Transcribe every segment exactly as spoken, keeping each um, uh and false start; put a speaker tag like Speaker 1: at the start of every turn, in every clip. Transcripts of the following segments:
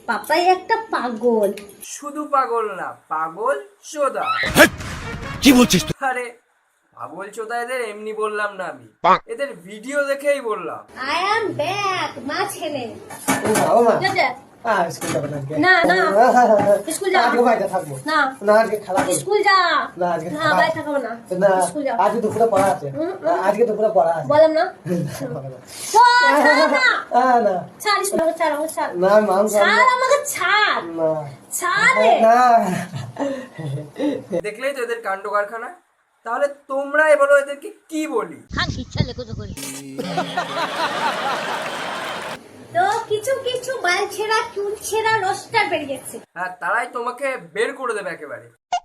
Speaker 1: পাপাই একটা পাগল।
Speaker 2: শুধু পাগল না, পাগল চোদা।
Speaker 3: কি বলছিস তুই?
Speaker 2: আরে পাগল চোদা এদের এমনি বললাম না আমি, এদের ভিডিও দেখেই বললাম।
Speaker 1: আই অ্যাম ব্যাক মা ছেলে।
Speaker 4: ও মা,
Speaker 1: যা, যা।
Speaker 4: আহ স্কুল যাবে না আজকে।
Speaker 1: না না স্কুল যা।
Speaker 4: আজকে বাইরে থাকবো।
Speaker 1: না
Speaker 4: না আজকে খেলা করবো।
Speaker 1: স্কুল যা।
Speaker 4: না আজকে
Speaker 1: না
Speaker 4: খেলা-
Speaker 1: বাইরে থাকবো না।
Speaker 4: না
Speaker 1: স্কুল যা।
Speaker 4: আজকে দুপুরে পড়া আছে।
Speaker 1: হুম, হুম।
Speaker 4: আজকে দুপুরে পড়া আছে।
Speaker 1: বললাম না।
Speaker 4: হবে না।
Speaker 1: ছাড়, ছাড় না।
Speaker 4: আহ, না
Speaker 1: ছাড় স্কুল আমাকে ছাড়, আমাকে ছাড়।
Speaker 4: না মাম
Speaker 1: ছাড় আমাকে ছাড়।
Speaker 4: না
Speaker 1: ছাড় রে।
Speaker 4: না
Speaker 2: দেখলেই তো এদের কাণ্ড কারখানা। তাহলে তোমরাই বলো এদেরকে কি বলি?
Speaker 1: তো কিছু কিছু বাল ছেঁড়া চুল ছেঁড়া রোস্টার বেরিয়েছে।
Speaker 2: হ্যাঁ, তারাই তোমাকে বের করে দেবে একেবারে।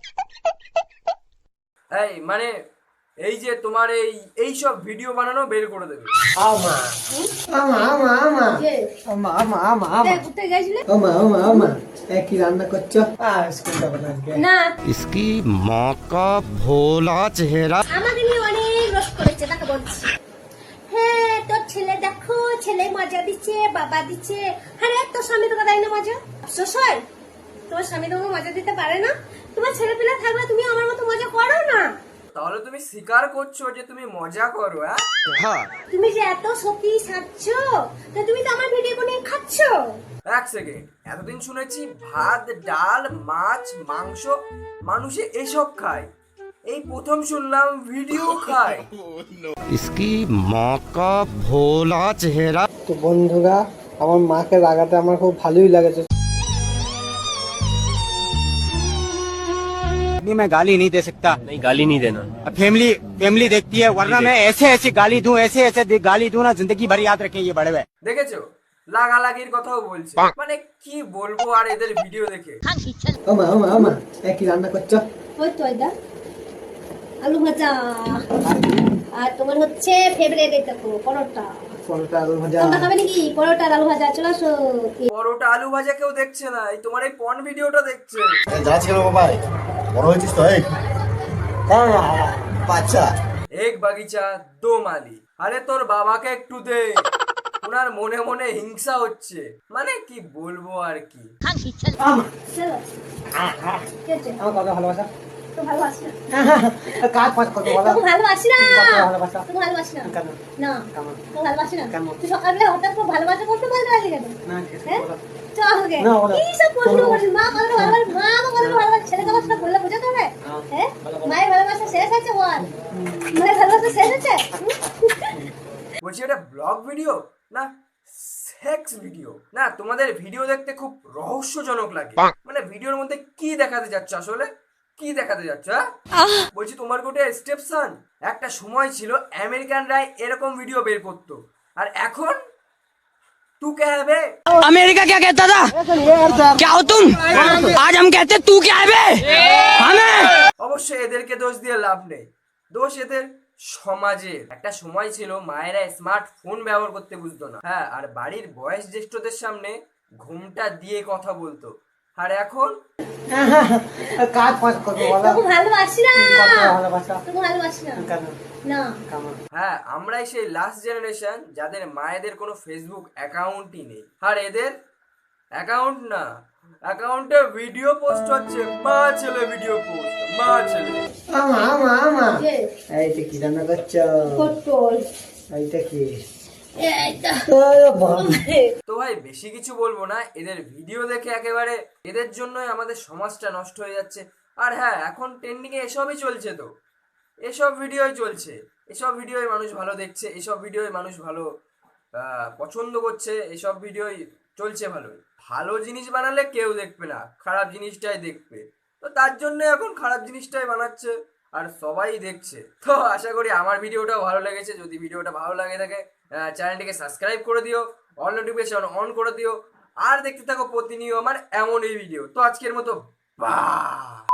Speaker 2: এই মানে এই যে তোমার এই এই সব ভিডিও বানানো বের করে দেবে।
Speaker 4: আমা আমা আমা আমা
Speaker 1: যে
Speaker 4: আমা আমা আমা আমা
Speaker 1: দেখ কোথায় গেছিলে?
Speaker 4: আমা আমা আমা এ কি রান্না করছো? আহ স্কুল যাবে না আজকে।
Speaker 1: না
Speaker 3: इसकी माँ का भोला चेहरा।
Speaker 1: আমাকে নিয়ে অনেক রোস্ট করেছে, তাকে বলছি। হ্যাঁ তোর ছেলে দেখো, ছেলে মজা দিচ্ছে, বাবা দিচ্ছে। আরে তোর স্বামী তোকে দেয় না মজা? আফসোস হয় তোমার স্বামী তোমাকে মজা দিতে পারে না? তোমার ছেলে পেলে থাকলে তুমি আমার মতো মজা করো না।
Speaker 2: তাহলে তুমি স্বীকার করছো যে তুমি মজা করো? হ্যাঁ,
Speaker 3: हाँ
Speaker 1: তুমি যে এত সত্যি সাজছ, তা তুমি তো আমার ভিডিও নিয়ে খাচ্ছ।
Speaker 2: এক সেকেন্ড। এতদিন শুনেছি ভাত ডাল মাছ মাংস মানুষে এসব খায়, এই প্রথম শুনলাম ভিডিও খায়।
Speaker 3: इसकी माँ का भोला चेहरा।
Speaker 4: তো বন্ধুরা, আমার মাকে রাগাতে আমার খুব ভালোই লাগেছে।
Speaker 5: नहीं मैं गाली नहीं दे सकता।
Speaker 6: नहीं, गाली नहीं देना।
Speaker 5: फैमिली फैमिली देखती है, वरना मैं ऐसे ऐसे गाली दूं, ऐसे ऐसे दे- गाली दूं ना, जिंदगी भर याद रखें ये बड़े हुए।
Speaker 2: দেখেছো লাগালাগির কথাও বলছে। মানে কি বলবো আর এদের ভিডিও দেখে।
Speaker 4: আমা আমা আমা এ কি রান্না করছো?
Speaker 1: ওই তো এটা আলু ভাজা, আর তোমার হচ্ছে ফেভারিট এটা তো পরোটা।
Speaker 4: পরোটা আলু ভাজা।
Speaker 1: তোমরা খাবে নাকি পরোটা আর আলু ভাজা? চলে আসো।
Speaker 2: পরোটা আলু ভাজা কেউ দেখছে না, এই তোমার এই পন ভিডিওটা দেখছে।
Speaker 7: যাচ্ছি কেন বাবা? বড় হয়েছিস তো? এই
Speaker 4: হ্যাঁ
Speaker 7: বাচ্চা
Speaker 2: এক বাগিচা দো মালি। আরে তোর বাবাকে একটু দে, ওনার মনে মনে হিংসা হচ্ছে। মানে কি বলবো আর কি।
Speaker 4: আমা
Speaker 1: চলো কি হচ্ছে?
Speaker 4: আমার কত ভালোবাসা।
Speaker 1: তো ভালোবাসি না,
Speaker 4: কাজ পাঁচ কত বলো।
Speaker 1: তোকে ভালোবাসি না,
Speaker 4: কত ভালোবাসা।
Speaker 1: তোকে ভালোবাসি না।
Speaker 4: কেন?
Speaker 1: না
Speaker 4: কেন?
Speaker 1: তোকে ভালোবাসি না।
Speaker 4: কেন?
Speaker 1: তুই সকালবেলা হঠাৎ করে ভালোবাসা করতে বলতে পারলি কেন?
Speaker 4: না ঠিক আছে
Speaker 1: হ্যাঁ
Speaker 4: বলো।
Speaker 1: চল গে
Speaker 4: না, বলো।
Speaker 1: কি সব প্রশ্ন করিস? মা কত ভালোবাসে, মা কত ভালোবাসে, ছেলেকে কত বললে বোঝাতে হবে? হ্যাঁ মায়ের ভালোবাসা শেষ আছে বল, মায়ের ভালোবাসা শেষ আছে?
Speaker 2: বলছি এটা ব্লগ ভিডিও না সেক্স ভিডিও? না তোমাদের ভিডিও দেখতে খুব রহস্যজনক লাগে। মানে ভিডিওর মধ্যে কি দেখাতে যাচ্ছ আসলে? কি দেখাতে যাচ্ছ? হ্যাঁ? বলছি তোমার গোটে স্টেপসন। একটা সময় ছিল আমেরিকানরা এরকম ভিডিও বের করতো, আর এখন তু কে হবে?
Speaker 8: अमेरिका क्या कहता था? क्या हो तुम? आज हम कहते तू क्या है बे? हमें
Speaker 2: অবশ্যই এদেরকে দোষ দিয়ে লাভ নেই, দোষ এদের সমাজের। একটা সময় ছিল মায়েরা স্মার্টফোন ব্যবহার করতে বুঝতো না, হ্যাঁ, আর বাড়ির বয়স জ্যেষ্ঠদের সামনে ঘুমটা দিয়ে কথা বলতো। আর এখন
Speaker 4: কাজ পাঁচ কত বলো।
Speaker 1: তোকে ভালোবাসি না,
Speaker 4: কত ভালোবাসা।
Speaker 1: তোকে ভালোবাসি না।
Speaker 4: কেন?
Speaker 1: না
Speaker 4: কেন?
Speaker 2: হ্যাঁ, আমরাই সেই লাস্ট জেনারেশন যাদের মায়েদের কোনো ফেসবুক অ্যাকাউন্টই নেই। আর এদের অ্যাকাউন্ট না, অ্যাকাউন্টে ভিডিও পোস্ট হচ্ছে, মা ছেলে ভিডিও পোস্ট, মা ছেলে।
Speaker 4: আমা আমা আমা
Speaker 1: যে
Speaker 4: এইটা কি রান্না করছো?
Speaker 1: পটল
Speaker 4: এইটা কি?
Speaker 1: এইটা
Speaker 4: আরে বাবা।
Speaker 2: তো ভাই বেশি কিছু বলবো না, এদের ভিডিও দেখে একেবারে এদের জন্যই আমাদের সমাজটা নষ্ট হয়ে যাচ্ছে। আর হ্যাঁ, এখন ট্রেন্ডিং এ এসবই চলছে, তো এসব ভিডিওই চলছে, এসব ভিডিওই মানুষ ভালো দেখছে, এসব ভিডিওই মানুষ ভালো আহ, পছন্দ করছে, এসব ভিডিওই চলছে ভালো। ভালো জিনিস বানালে কেউ দেখবে না, খারাপ জিনিসটাই দেখবে। তো তার জন্য এখন খারাপ জিনিসটাই বানাচ্ছে আর সবাই দেখছে। তো আশা করি আমার ভিডিওটাও ভালো লেগেছে। যদি ভিডিওটা ভালো লাগে থাকে চ্যানেলটিকে সাবস্ক্রাইব করে দিও, অল নোটিফিকেশন অন করে দিও, আর দেখতে থাকো প্রতিনিয়ত আমার এমনই ভিডিও। তো আজকের মতো বাই।